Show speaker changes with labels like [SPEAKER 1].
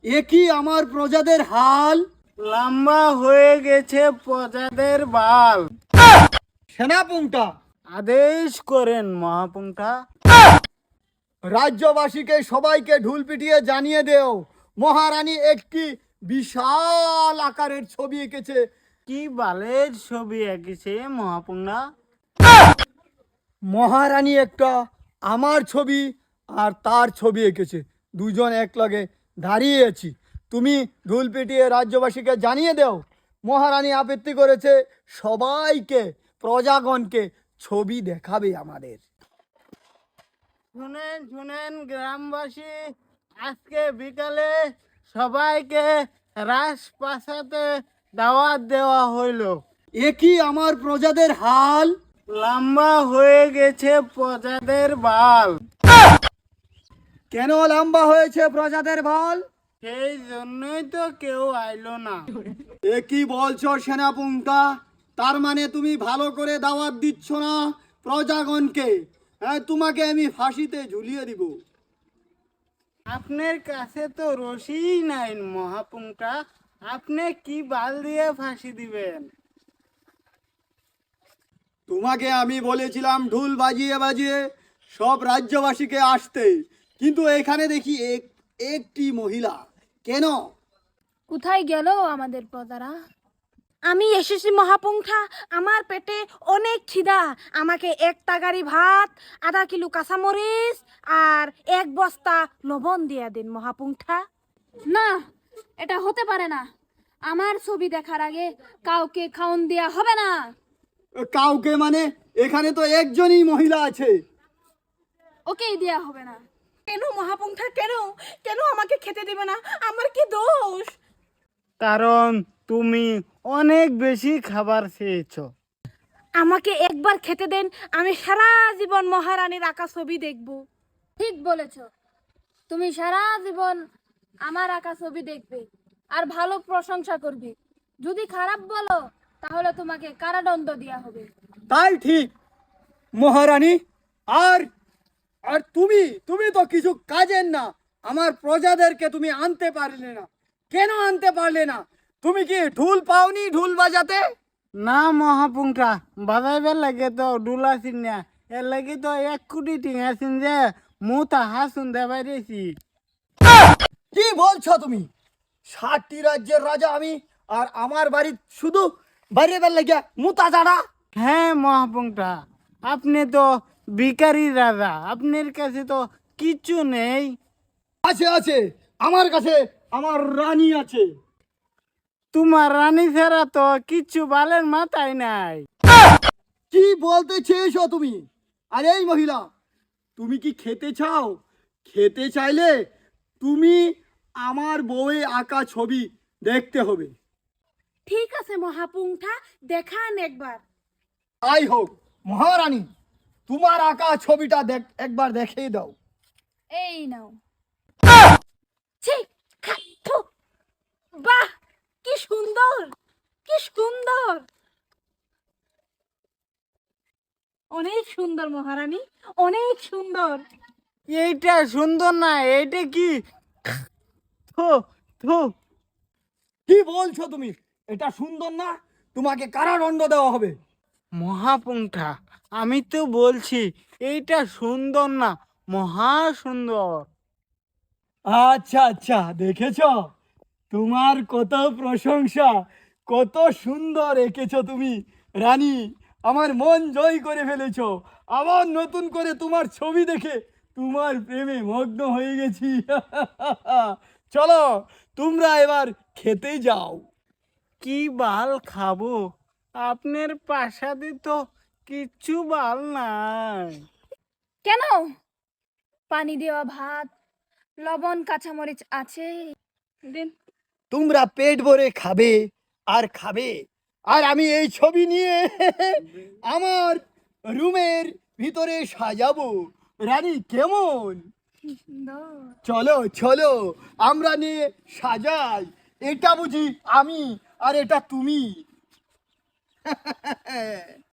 [SPEAKER 1] একই আমার প্রজাদের হাল,
[SPEAKER 2] লম্বা হয়ে গেছে প্রজাদের বাল।
[SPEAKER 1] সেনাপুংটা
[SPEAKER 2] আদেশ করেন মহাপুঙ্খা।
[SPEAKER 1] রাজ্যবাসীকে সবাইকে ঢুল পিটিয়ে জানিয়ে দেও মহারানী একটি বিশাল আকারের ছবি এঁকেছে।
[SPEAKER 2] কি বালের ছবি এঁকেছে মহাপুঙ্খা?
[SPEAKER 1] মহারানী একটা আমার ছবি আর তার ছবি এঁকেছে, দুজন এক লগে দাঁড়িয়ে আছি। তুমি ঢুল পিটিয়ে রাজ্যবাসীকে জানিয়ে দাও মহারানী আপত্তি করেছে, সবাইকে প্রজাগণকে ছবি দেখাবে আমাদের।
[SPEAKER 2] শুনেন শুনেন গ্রামবাসী, আজকে বিকালে সবাইকে রাজপ্রাসাদে দাওয়াত দেওয়া হইল।
[SPEAKER 1] একই আমার প্রজাদের হাল,
[SPEAKER 2] লম্বা হয়ে গেছে প্রজাদের বাল।
[SPEAKER 1] কেন লম্বা হয়েছে প্রজাদের বল?
[SPEAKER 2] সেই জন্যই তো কেউ আইলো না।
[SPEAKER 1] এ কি বলছো সেনাপুঙ্খা? তার মানে তুমি ভালো করে দাওয়াত দিচ্ছ না প্রজাগণকে? হ্যাঁ, তোমাকে আমি ফাঁসিতে ঝুলিয়ে দিব।
[SPEAKER 2] আপনার কাছে তো রশি নাই মহাপুঙ্খা, আপনি কি বাল দিয়ে ফাঁসি দিবেন?
[SPEAKER 1] তোমাকে আমি বলেছিলাম ঢোল বাজিয়ে বাজিয়ে সব রাজ্যবাসীকে আসতে, কিন্তু এখানে দেখি একটি মহিলা। কেন?
[SPEAKER 3] কোথায় গেল আমাদের প্রজারা? আমি এসেছি মহাপুঙ্খা, আমার পেটে অনেক খিদা। আমাকে এক তাগারি ভাত, আধা কিলো কাঁচামরিচ আর এক বস্তা লবণ দিয়ে দিন মহাপুঙ্খা। না, এটা হতে পারে না। আমার ছবি দেখার আগে কাউকে খাওন দেয়া হবে না।
[SPEAKER 1] কাউকে মানে? এখানে তো একজনই মহিলা আছে।
[SPEAKER 3] ওকেই দেয়া হবে না। কেন মহাপুঙ্খা, কেন? কেন আমাকে খেতে দেবে না? আমার কি দোষ?
[SPEAKER 2] কারণ তুমি অনেক বেশি খাবার খেয়েছো।
[SPEAKER 3] আমাকে একবার খেতে দেন, আমি সারা জীবন মহারানীর আঁকা ছবি দেখব। ঠিক বলেছ, তুমি সারা জীবন আমার আঁকা ছবি দেখবে আর ভালো প্রশংসা করবে। যদি খারাপ বলো তাহলে তোমাকে কারাদণ্ড দেওয়া হবে।
[SPEAKER 1] তাই ঠিক মহারানী। আর আর তুমি তুমি তো কিছু কাজের না। আমার প্রজাদেরকে তুমি আনতে পারলে না, কেন আনতে পারলে না? তুমি কি ঢোল পাওনি ঢোল বাজাতে?
[SPEAKER 2] না মহাপুঙ্খা, বাজাইবার লাগে তো ডুলাছিন না, এর লাগে তো 1 কোটি টিঙাছিন যে মুতা হাসুন দেবাইছি।
[SPEAKER 1] কি বলছো তুমি? 60টি রাজ্যের রাজা আমি, আর আমার বাড়ি শুধু বাইরে লাগিয়া মুতা জাড়া?
[SPEAKER 2] হ্যাঁ মহাপুঙ্খা, আপনি তো ভিখারি রাজা, আপনার কাছে তো কিছু নেই।
[SPEAKER 1] আছে আছে, আমার কাছে আমার রানী আছে।
[SPEAKER 2] তোমার রানী ছাড়া তো কিচ্ছু বালের মাথায় নাই।
[SPEAKER 1] কি বলতে চেয়েছো তুমি? আর এই মহিলা, তুমি কি খেতে চাও? খেতে চাইলে তুমি আমার বউয়ে আঁকা ছবি দেখতে হবে।
[SPEAKER 3] ঠিক আছে মহাপুঙ্খা, দেখান একবার।
[SPEAKER 1] তাই হোক মহারানী, তোমার আঁকা ছবিটা একবার দেখিয়ে দাও।
[SPEAKER 3] এই নাও। ছি, থু, বাহ, কি সুন্দর, কি সুন্দর, অনেক সুন্দর মহারানী, অনেক সুন্দর।
[SPEAKER 2] এইটা সুন্দর না, এইটা কি? থু থু।
[SPEAKER 1] কি বলছো তুমি? এটা সুন্দর না? তোমাকে কারাদণ্ড দেওয়া হবে।
[SPEAKER 2] মহাপুঙ্খা, আমি তো বলছি এইটা সুন্দর না, মহা সুন্দর।
[SPEAKER 1] আচ্ছা আচ্ছা, দেখেছো? তোমার কত প্রশংসা, কত সুন্দর এঁকেছো তুমি রানী। আমার মন জয় করে ফেলেছো। আবার নতুন করে তোমার ছবি দেখে তোমার প্রেমে মগ্ন হয়ে গেছি। চলো, তোমরা এবার খেতে যাও।
[SPEAKER 2] কি বাল খাবো? আপনার প্রাসাদে তো কিচ্ছু বাল নাই।
[SPEAKER 3] কেন? পানি দেওয়া ভাত, লবণ কাঁচামরিচ আছে, দিন।
[SPEAKER 1] তোমরা পেট ভরে খাবে আর খাবে, আর আমি এই ছবি নিয়ে আমার রুমের ভিতরে সাজাবো। রানী কেমন?
[SPEAKER 3] সুন্দর।
[SPEAKER 1] চলো চলো, আমরা নিয়ে সাজাই। এটা বুঝি আমি আর এটা তুমি?